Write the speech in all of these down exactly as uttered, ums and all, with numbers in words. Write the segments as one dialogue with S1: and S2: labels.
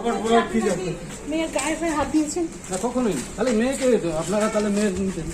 S1: মেয়ের গায়ে গায়ে হাত দিয়েছেন
S2: না কখনোই, তাহলে মেয়েকে আপনারা তাহলে মেয়ে নিতেন।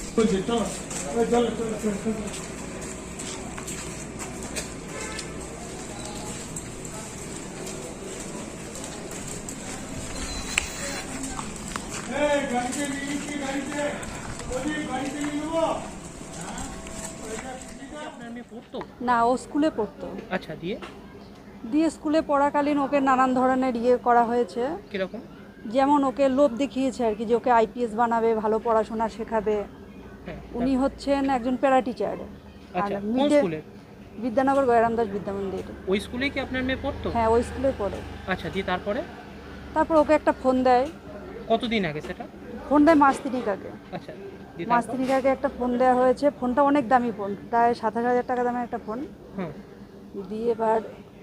S1: না, ও স্কুলে পড়তো।
S3: আচ্ছা, দিয়ে
S1: দিয়ে স্কুলে পড়াকালীন ওকে নানান ধরনের ইয়ে করা হয়েছে।
S3: কিরকম?
S1: যেমন ওকে লোভ দেখিয়েছে আর কি, যে ওকে আইপিএস বানাবে, ভালো পড়াশোনা শেখাবে।
S3: হ্যাঁ,
S1: উনি হচ্ছেন একজন প্যারা টিচার।
S3: আচ্ছা, কোন স্কুলে?
S1: বিদ্যানগর গয়রাম দাস বিদ্যা মন্দির।
S3: ওই স্কুলেই কি আপনার মেয়ে পড়তো?
S1: হ্যাঁ, ওই স্কুলে পড়ে।
S3: আচ্ছা, দিয়ে তারপরে?
S1: তারপর ওকে একটা ফোন দেয়।
S3: কতদিন আগে সেটা?
S1: ফোন দেয় মাস তিনিক আগে।
S3: আচ্ছা, দিয়ে
S1: মাস
S3: তারপর?
S1: তিনিক আগে একটা ফোন দেওয়া হয়েছে। ফোনটা অনেক দামি ফোন, প্রায় সাতাশ হাজার টাকা দামের একটা ফোন।
S3: হুম।
S1: দিয়ে এবার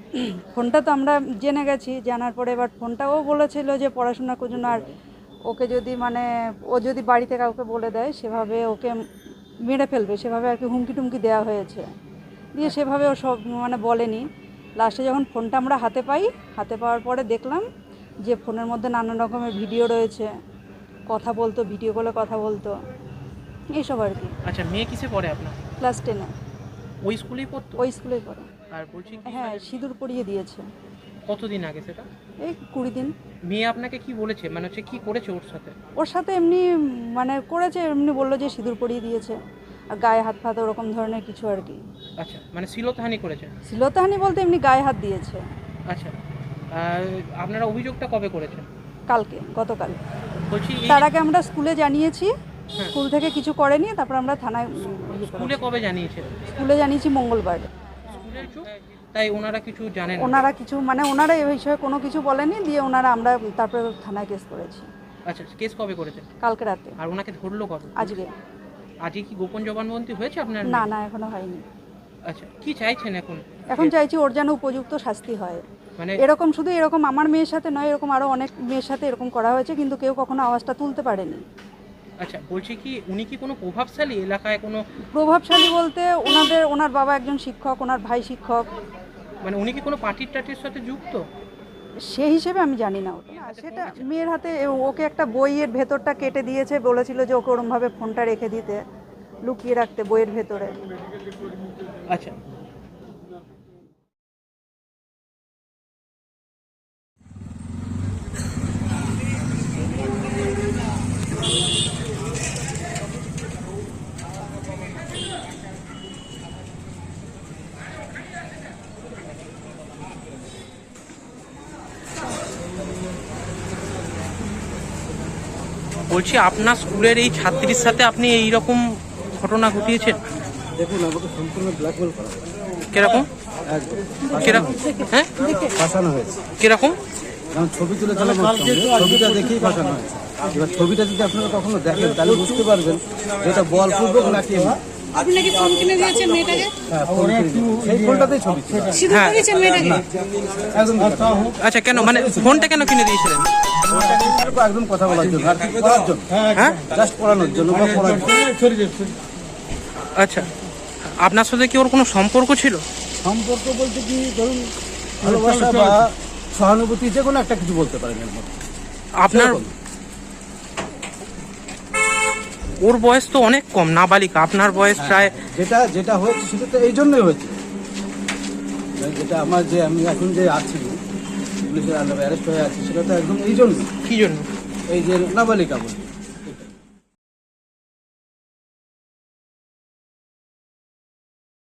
S1: ফোনটা তো আমরা জেনে গেছি, জানার পরে এবার ফোনটাও বলেছিল যে পড়াশোনার জন্য, আর ওকে যদি মানে ও যদি বাড়িতে কাউকে বলে দেয় সেভাবে ওকে মেরে ফেলবে, সেভাবে আর কি হুমকি টুমকি দেওয়া হয়েছে। দিয়ে সেভাবে ও সব মানে বলেনি। লাস্টে যখন ফোনটা আমরা হাতে পাই, হাতে পাওয়ার পরে দেখলাম যে ফোনের মধ্যে নানান রকমের ভিডিও রয়েছে, কথা বলতো, ভিডিও কলে কথা বলতো, এইসব আর কি।
S3: আচ্ছা, মেয়ে কিসে পড়ে আপনার?
S1: ক্লাস টেনে।
S3: ওই স্কুলেই পড়তো?
S1: ওই স্কুলেই পড়ে।
S3: আর বলছি কি,
S1: হ্যাঁ, সিঁদুর পরিয়ে দিয়েছে।
S3: কতদিন আগে সেটা?
S1: এই কুড়ি দিন।
S3: মেয়ে আপনাকে কি বলেছে, মানে হচ্ছে কি করেছে ওর সাথে?
S1: ওর সাথে এমনি মানে করেছে, এমনি বললো যে সিঁদুর পরিয়ে দিয়েছে, আর গায়ে হাত ফাত ওরকম ধরনের কিছু আর কি।
S3: আচ্ছা, মানে শ্লীলতাহানি করেছে?
S1: শ্লীলতাহানি বলতে এমনি গায়ে হাত দিয়েছে।
S3: আচ্ছা, আর আপনারা অভিযোগটা কবে করেছেন?
S1: কালকে, গতকাল।
S3: বলছি এই-
S1: তার আগে আমরা স্কুলে জানিয়েছি, স্কুল থেকে কিছু করেনি, তারপর আমরা থানায় ইয়ে করেছি।
S3: স্কুলে কবে জানিয়েছেন?
S1: স্কুলে জানিয়েছি মঙ্গলবার।
S3: স্কুলের চুপ, তাই ওনারা কিছু জানেন না?
S1: ওনারা কিছু মানে ওনারা এই বিষয়ে কোনো কিছু বলেনি, দিয়ে ওনারা আমরা তারপরে থানায় কেস করেছি।
S3: আচ্ছা, কেস কবে করেছেন?
S1: কালকে রাতে।
S3: আর ওনাকে ধরলো কবে?
S1: আজকে।
S3: আজকে কি গোপন জবানবন্দি হয়েছে আপনার?
S1: না না, এখনো হয়নি।
S3: আচ্ছা, কি চাইছেন এখন?
S1: এখন চাইছি ওর যেন উপযুক্ত শাস্তি হয়।
S3: মানে
S1: এরকম শুধু এরকম আমার মেয়ের সাথে নয়, এরকম আরও অনেক মেয়ের সাথে এরকম করা হয়েছে, কিন্তু কেউ কখনো আওয়াজটা তুলতে পারেনি।
S3: আচ্ছা, বলছি কি উনি কি কোনো প্রভাবশালী এলাকায় কোনো?
S1: প্রভাবশালী বলতে ওনাদের ওনার বাবা একজন শিক্ষক, ওনার ভাই শিক্ষক।
S3: মানে উনি কি কোনো পার্টির টাটির সাথে যুক্ত?
S1: সেই হিসেবে আমি জানি না ওটা। আর সেটা মেয়ের হাতে ওকে একটা বইয়ের ভেতরটা কেটে দিয়েছে, বলেছিল যে ওকে ওরমভাবে ফোনটা রেখে দিতে, লুকিয়ে রাখতে বইয়ের ভেতরে।
S3: আচ্ছা, বলছি আপনার স্কুলের এই ছাত্রীর সাথে আপনি এই রকম ঘটনা ঘটিয়েছেন?
S2: দেখুন, আমাকে সম্পূর্ণ ব্ল্যাকমেল করা হয়েছে।
S3: কিরকম?
S2: একদম
S3: কিরকম? হ্যাঁ,
S2: ফাঁসানো হয়েছে।
S3: কিরকম?
S2: যেমন ছবি তুলেছিলাম, ছবিটা দেখেই ফাঁসানো হয়েছে। এবার ছবিটা যদি আপনারা কখনো দেখেন তাহলে বুঝতে পারবেন যে এটা বলপূর্বক নাকি
S4: আপনি নাকি ফোন কিনে দিয়েছেন মেয়েটাকে?
S2: হ্যাঁ, ফোন কিনে দিয়েছে। সেই ফোনটাতেই ছবি ছিল।
S4: সিঁদুর পরিয়েছেন মেয়েটাকে?
S2: একদম
S3: আচ্ছা, কেন মানে ফোনটা কেন কিনে দিয়েছিলেন?
S2: একদম কথা বলার জন্য, আর কি করার জন্য,
S3: হ্যাঁ,
S2: জাস্ট পড়ানোর জন্য বা পড়ার জন্য।
S3: আচ্ছা, আপনার সাথে কি ওর কোনো সম্পর্ক ছিল?
S2: সম্পর্ক বলতে কি, ধরুন ভালোবাসা বা সহানুভূতি, যে কোনো একটা কিছু বলতে পারেন এর মধ্যে।
S3: আপনার ওর বয়স তো অনেক কম, নাবালিকা। আপনার বয়স প্রায়।
S2: যেটা যেটা হয়েছে সেটা তো এই জন্যই হয়েছে, যেটা আমার যে আমি এখন যে আছি পুলিশের আন্ডারে অ্যারেস্ট হয়ে আছি, সেটা তো একদম এই জন্য।
S3: কি জন্য?
S2: এই যে নাবালিকা বলি